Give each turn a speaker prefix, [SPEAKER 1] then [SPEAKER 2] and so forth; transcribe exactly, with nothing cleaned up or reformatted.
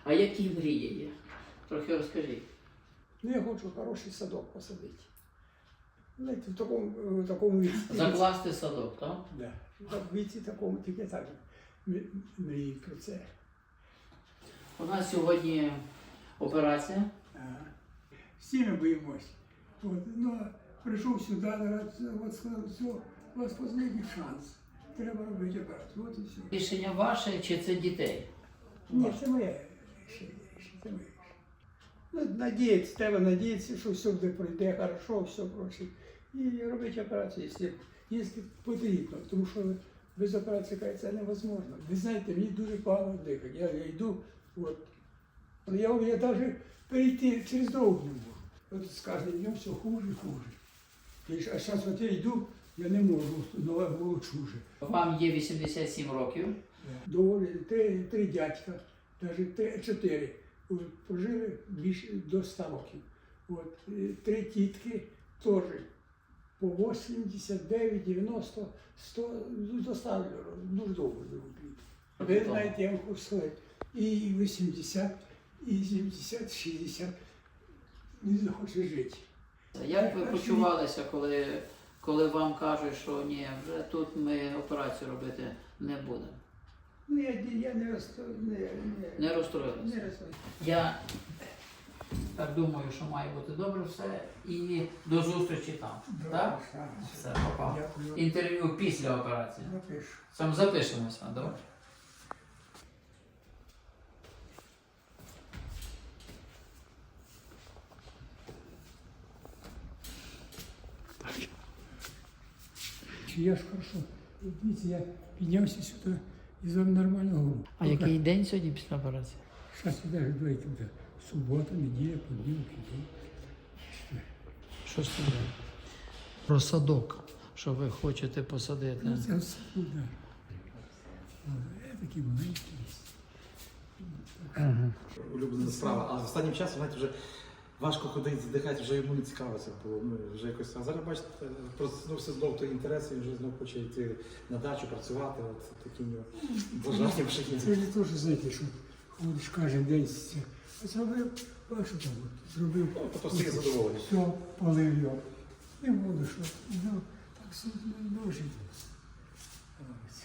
[SPEAKER 1] А які мрії є? Трохи розкажіть.
[SPEAKER 2] Ну, я хочу хороший садок посадити. Знаєте, в такому, в такому віці.
[SPEAKER 1] Закласти садок, так?
[SPEAKER 2] Да. В віці такому тільки так м- мрії про це.
[SPEAKER 1] У нас сьогодні операція.
[SPEAKER 2] Ага. Всі ми боїмось. От, ну, прийшов сюди, от сказав, все, у вас останній шанс. Треба робити операцію. От і все.
[SPEAKER 1] Рішення ваше чи це дітей?
[SPEAKER 2] Ні, це моє рішення. Це моє рішення. Ну, надіятися, треба надіятися, що все буде пройде хорошо, все проче. І робити операцію, якщо, якщо потрібно. Тому що без операції каже, це невозможно. Ви знаєте, мені дуже погано дихати. Я, я йду, от. Я, я навіть перейти через дорогу не можу. От з кожним днем все хуже і хуже. І, а зараз от я йду, я не можу, нога волочу.
[SPEAKER 1] Вам є вісімдесят сім років.
[SPEAKER 2] Доволі три, три дядька, навіть три, чотири, от, прожили більше до ста років. От, і три тітки теж по вісімдесят дев'ять, дев'яносто, сто, ну, до ста років, дуже довго живуть. Ви знаєте, я вам хочу сказати, і вісімдесят, і сімдесят, шістдесят не захоче жити.
[SPEAKER 1] Як ви почувалися, коли, коли вам кажуть, що ні, вже тут ми операцію робити не будемо?
[SPEAKER 2] Ну, я, я не розстроюся. Не, не,
[SPEAKER 1] Не розстроїлися?
[SPEAKER 2] не розстроюся.
[SPEAKER 1] Я так думаю, що має бути добре все. І до зустрічі там. Так? Все, попав.
[SPEAKER 2] Дякую.
[SPEAKER 1] Інтерв'ю після операції.
[SPEAKER 2] Напишу.
[SPEAKER 1] Сам запишемося, добре?
[SPEAKER 2] Я ж хорошо. Дивіться, я піднявся сюди і з вами нормально говорю.
[SPEAKER 1] А який день сьогодні після операції?
[SPEAKER 2] Зараз ви навіть говорите, буде субота, неділя, понеділок, день.
[SPEAKER 1] Що ж це? Про садок, що ви хочете посадити.
[SPEAKER 2] Ну, це все, ну, да. Я такий маленький.
[SPEAKER 1] Ага.
[SPEAKER 3] Улюблена справа, а останнім часом, знаєте, вже важко ходити, задихати, вже йому не цікаво це було. Ну, вже якось, а зараз, бачите, проснувся знов той інтерес, він вже знов хоче йти на дачу, працювати, от такі в нього бажання вже є.
[SPEAKER 2] Це ж теж, знаєте, що ходиш кожен день, це зробив, а що там, от, зробив,
[SPEAKER 3] Ну, то просто є задоволення.
[SPEAKER 2] все, полив його. Не буду, що, ну, так все, ну, жити.